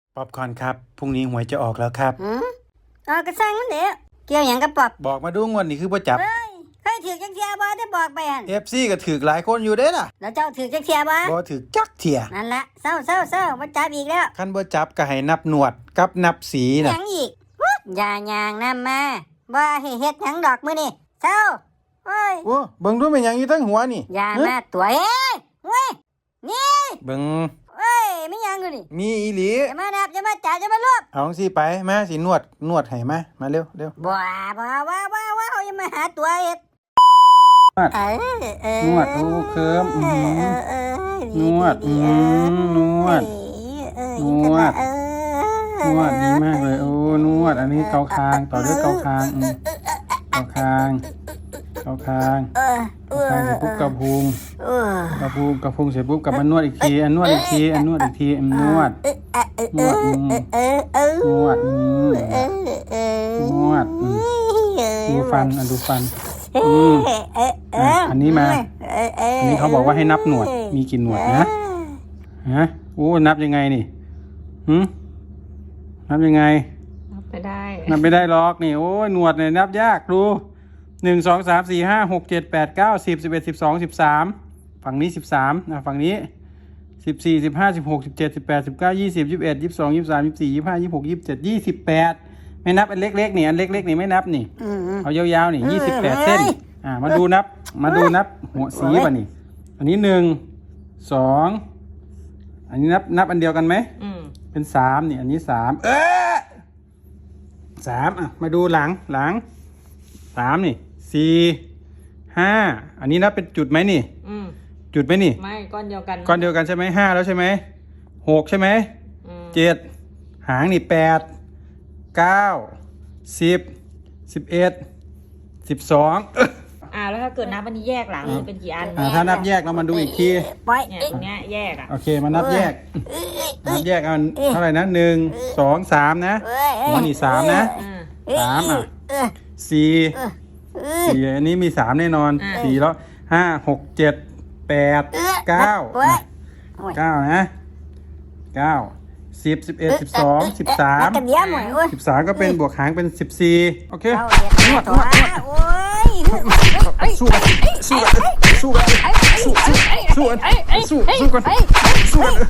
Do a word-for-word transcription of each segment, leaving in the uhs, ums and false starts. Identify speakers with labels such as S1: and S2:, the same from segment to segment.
S1: ป๊อปคอร์นครับพรุ่งนี้หวยจะออกแล้วครับ
S2: อืมออกกระซังมันเด้อเกี่ยวหยังกับปอบ
S1: บอกมาดูงวดนี้คือบ่จับ
S2: เฮ้ยเคยถือจักเทียบ่ได้บอกไปหั่น
S1: เอฟ ซี ก็ถือหลายคนอยู่เด้ล่ะ
S2: แล้วเจ้าถือจักเทียบ่
S1: บ่ถือจักเที่ย
S2: นั่นละเศร้าเศร้าเศร้าบ่จับอีกแล้ว
S1: คันบ่จับก็ให้นับหนวดกับนับสี
S2: ห
S1: น่ะ
S2: ยังอีกอย่าย่างนำมาบ่ให้เฮ็ดหยังดอกมื้อนี้เศร้าโอ้ย
S1: โอ้เบิ่งดูเป็นหยังอยู่ทั้งหัวนี่
S2: อย่ามาตัวเอ้ยเว้ยนี่
S1: เบิ่ง
S2: เอ้ยไม่หยังอยู่นี่
S1: มีอีหลี
S2: อย่ามานับอย่ามาจับอย่ามารวบ
S1: เอาสิไปมาสินวดนวดให้มามาเร็วเร็ว
S2: บ่บ่ว่าว่าว่าเฮาอย่ามาหาตัวเฮ็ด
S1: นวด
S2: เออเออน
S1: วดโอ้เคิมอื้อหือนวดอืมนวดนวดนวดดีมากเลยโอ้นวดอันนี้เกาคางต่อด้วยเกาคางอืมเกาคางเกาคาง
S2: เออเออ
S1: เกาคางเสร็จปุ๊บกระพุง
S2: เออก
S1: ระพุงกระพุงเสร็จปุ๊บกลับมานวดอีกทีอันนวดอีกทีอันนวดอีกทีอันนวดนวดอืม
S2: เออเออน
S1: วดอืม
S2: เออเออน
S1: วดอืมดูฟันอันดูฟันอืมอันนี้มาอันนี้เขาบอกว่าให้นับหนวดมีกี่หนวดนะฮะโอ้นับยังไงนี่หืมนับยังไง
S3: นับไปได้
S1: นับไม่ได้หรอกนี่โอ้ยหนวดเนี่ยนับยากดูหนึ่งสองสามสี่ห้าหกเจ็ดแปดเก้าสิบสิบเอ็ดสิบสองสิบสามฝั่งนี้สิบสามนะฝั่งนี้สิบสี่สิบห้าสิบหกสิบเจ็ดสิบแปดสิบเก้ายี่สิบยี่สิบเอ็ดยี่สิบสองยี่สิบสามยี่สิบสี่ยี่สิบห้ายี่สิบหกยี่สิบเจ็ดยี่สิบแปดไม่นับอันเล็กๆนี่อันเล็กๆนี่ไม่นับนี่เอายาวๆนี่ยี่สิบแปดเส้นอ่ามาดูนับมาดูนับหัวสีป่ะนี่อันนี้หนึ่งสองอันนี้นับนับอันเดียวกันไหมเป็นสามนี่อันนี้สามเออสามอ่ะมาดูหลังหลังสามนี่สี่ห้าอันนี้นับเป็นจุดไหมนี่จุดไหมนี่
S3: ไม่ก้อนเดียวกัน
S1: ก้อนเดียวกันใช่ไหมห้าแล้วใช่ไหมหกใช่ไหมเจ็ดหางนี่แปดเก้าสิบสิบเอ็ดสิบสอง
S3: อ่าแล้วถ้าเกิดนับอันนี้แยกหลังเป็นกี่อัน
S1: อ่าถ้านับแยกเรามาดูอีกที
S3: เนี่ยตรงเนี้ยแยกอ่ะ
S1: โอเคมานับแยกนับแยกเอาเท่าไหร่นะหนึ่งสองสามนะหัวนี่สามนะสามอ่ะสี่สี่อันนี้มีสามแน่นอนสี่แล้วห้าหกเจ็ดแปดเก้าเก้านะเก้าสิบสิบเอ็ดสิบสองสิบสามสิบสามก็เป็นบวกหางเป็นสิบสี่โอเคนวดนวดนวดสู้กันสู้กันสู้กันสู้สู้สู้กันสู้สู้กันสู้กัน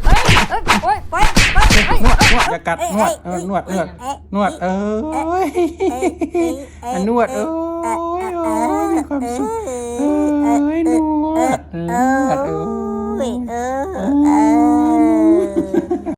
S1: นวดนวดอย่ากัดนวดเออนวดนวดนวดเอ้ยนวดเอ้ยโอ้ยมีความสุขเอ้ยนวดนวดเอ้ย